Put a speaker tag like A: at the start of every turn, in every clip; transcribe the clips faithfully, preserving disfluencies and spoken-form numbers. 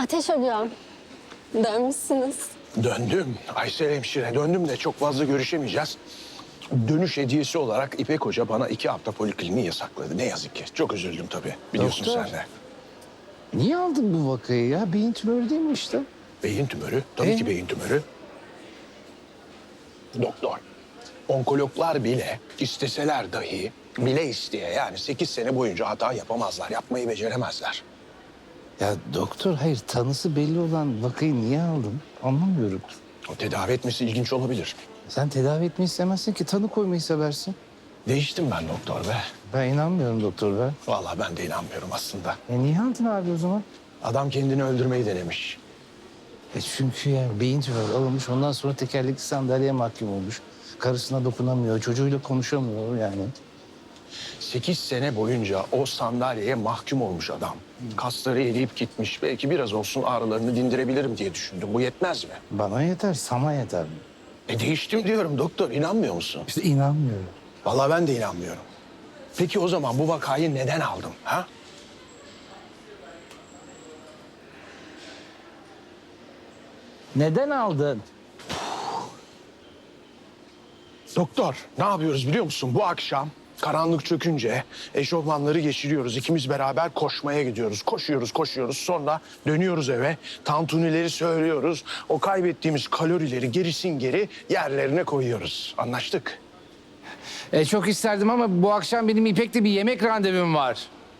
A: Ateş hocam, dönmüşsünüz.
B: Döndüm Aysel hemşire, döndüm de çok fazla görüşemeyeceğiz. Dönüş hediyesi olarak İpek Hoca bana iki hafta polikliniği yasakladı. Ne yazık ki. Çok üzüldüm tabii. Biliyorsun
C: Doktor.
B: sen de.
C: Niye aldın bu vakayı ya? Beyin tümörü değil mi işte?
B: Beyin tümörü. Tabii
C: Ee?
B: ki beyin tümörü. Doktor. Onkologlar bile isteseler dahi bile isteye yani sekiz sene boyunca hata yapamazlar. Yapmayı beceremezler.
C: Ya doktor hayır tanısı belli olan vakayı niye aldın? Anlamıyorum.
B: O tedavi etmesi ilginç olabilir.
C: Sen tedavi etmeyi istemezsin ki tanı koymayı seversin.
B: Değiştim ben doktor be.
C: Ben inanmıyorum doktor be.
B: Vallahi ben de inanmıyorum aslında.
C: E niye aldın abi o zaman?
B: Adam kendini öldürmeyi denemiş.
C: E çünkü ya beyin tümörü alınmış ondan sonra tekerlekli sandalyeye mahkum olmuş. Karısına dokunamıyor, çocuğuyla konuşamıyor yani.
B: Sekiz sene boyunca o sandalyeye mahkum olmuş adam. Kasları eriyip gitmiş. Belki biraz olsun ağrılarını dindirebilirim diye düşündüm. Bu yetmez mi?
C: Bana yeter, sana yeter mi?
B: E değiştim diyorum doktor. İnanmıyor musun?
C: İşte inanmıyorum.
B: Vallahi ben de inanmıyorum. Peki o zaman bu vakayı neden aldım? Ha?
C: Neden aldın?
B: Doktor ne yapıyoruz biliyor musun? Bu akşam karanlık çökünce eşofmanları geçiriyoruz. İkimiz beraber koşmaya gidiyoruz. Koşuyoruz, koşuyoruz. Sonra dönüyoruz eve. Tantunileri söylüyoruz. O kaybettiğimiz kalorileri gerisin geri yerlerine koyuyoruz. Anlaştık.
C: E, çok isterdim ama bu akşam benim İpek'le bir yemek randevum var.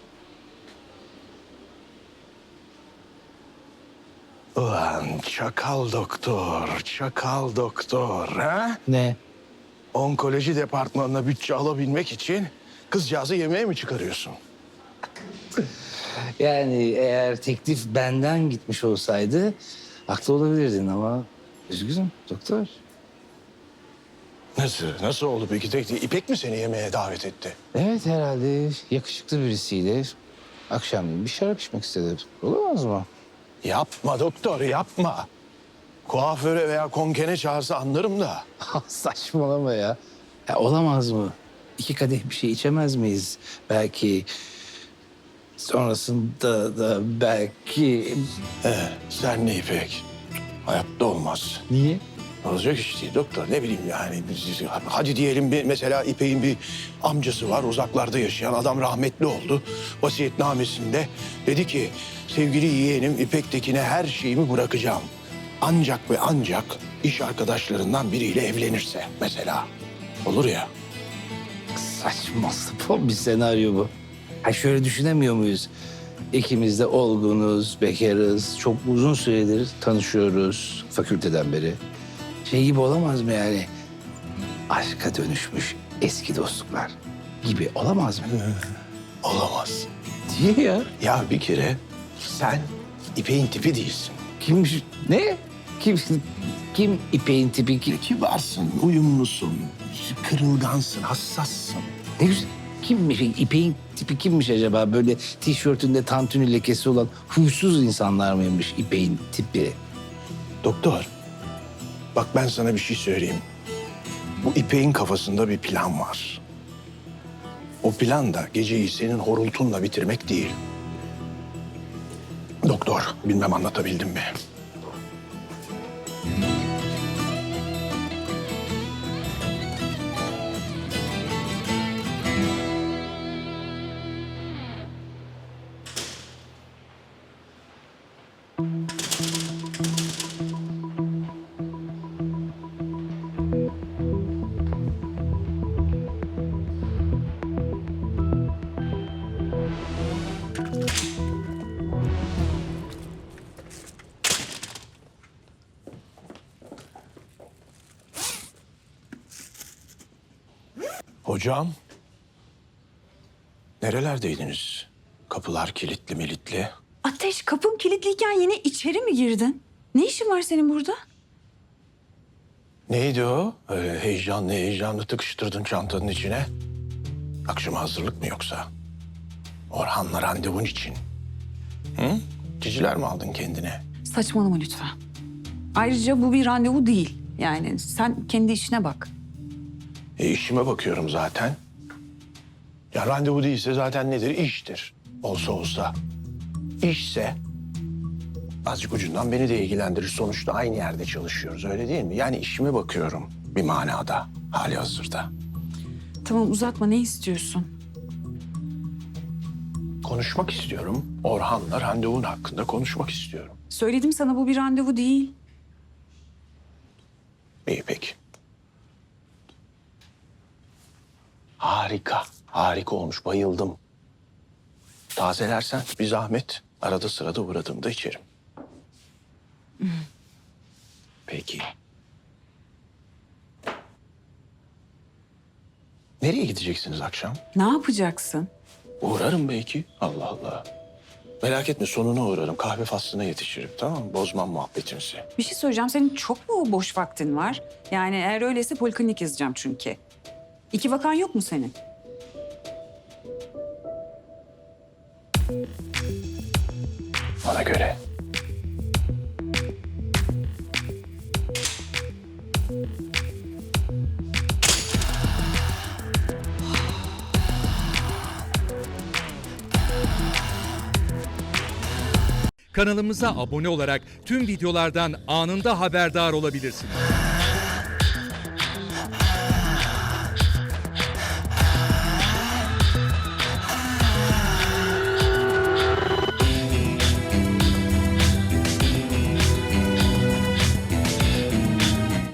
B: Ulan çakal doktor, çakal doktor. Ha?
C: Ne?
B: Onkoloji departmanına bütçe alabilmek için kızcağızı yemeğe mi çıkarıyorsun?
C: Yani eğer teklif benden gitmiş olsaydı haklı olabilirdin ama üzgünüm doktor.
B: Nasıl? Nasıl oldu peki? Tek İpek mi seni yemeğe davet etti?
C: Evet herhalde yakışıklı birisiyle akşam bir şarap içmek istedi. Olamaz mı?
B: Yapma doktor, yapma. Kuaföre veya konkene çağırsa anlarım da.
C: Saçmalama ya. ya. Olamaz mı? İki kadeh bir şey içemez miyiz? Belki sonrasında da belki...
B: He, sen ne İpek? Hayatta olmaz.
C: Niye?
B: Olacak iş değil doktor. Ne bileyim yani. Hadi diyelim bir mesela İpek'in bir amcası var. Uzaklarda yaşayan adam rahmetli oldu. Vasiyetnamesinde dedi ki sevgili yeğenim İpek Tekin'e her şeyimi bırakacağım. Ancak ve ancak iş arkadaşlarından biriyle evlenirse mesela. Olur ya.
C: Saçma sapan bir senaryo bu. Ha şöyle düşünemiyor muyuz? İkimiz de olgunuz, bekarız. Çok uzun süredir tanışıyoruz fakülteden beri. Şey gibi olamaz mı yani? Aşka dönüşmüş eski dostluklar gibi olamaz mı?
B: Olamaz.
C: Diye ya.
B: Ya bir kere sen İpek'in tipi değilsin.
C: Kimmiş? Ne? Kim? Kim İpek'in tipi? Kim?
B: Kibarsın, uyumlusun, kırılgansın, hassassın.
C: Ne güzel. Kimmiş? İpek'in tipi kimmiş acaba? Böyle tişörtünde tantuni lekesi olan huysuz insanlar mıymış İpek'in tipi?
B: Doktor, bak ben sana bir şey söyleyeyim. Bu İpek'in kafasında bir plan var. O plan da geceyi senin horultunla bitirmek değil. Doktor, bilmem anlatabildim mi? Hocam, nerelerdeydiniz? Kapılar kilitli militli.
D: Ateş, kapım kilitliyken yine içeri mi girdin? Ne işin var senin burada?
B: Neydi o? Öyle heyecanlı heyecanlı tıkıştırdın çantanın içine. Akşama hazırlık mı yoksa? Orhan'la randevun için. Hı? Ciciler mi aldın kendine?
D: Saçmalama lütfen. Ayrıca bu bir randevu değil. Yani sen kendi işine bak.
B: E işime bakıyorum zaten. Ya randevu değilse zaten nedir? İştir. Olsa olsa. İşse azıcık ucundan beni de ilgilendirir. Sonuçta aynı yerde çalışıyoruz, öyle değil mi? Yani işime bakıyorum bir manada, hali hazırda.
D: Tamam uzatma, ne istiyorsun?
B: Konuşmak istiyorum. Orhan'la randevun hakkında konuşmak istiyorum.
D: Söyledim sana, bu bir randevu değil.
B: İyi peki. Harika, harika olmuş. Bayıldım. Tazelersen bir zahmet. Arada sırada uğradığımda içerim. Peki. Nereye gideceksiniz akşam?
D: Ne yapacaksın?
B: Uğrarım belki. Allah Allah. Merak etme, sonuna uğrarım. Kahve faslına yetişirim, tamam mı? Bozmam muhabbetinizi.
D: Bir şey söyleyeceğim, senin çok mu boş vaktin var? Yani eğer öyleyse poliklinik yazacağım çünkü. İki vakan yok mu senin?
B: Bana göre.
E: Kanalımıza abone olarak tüm videolardan anında haberdar olabilirsiniz.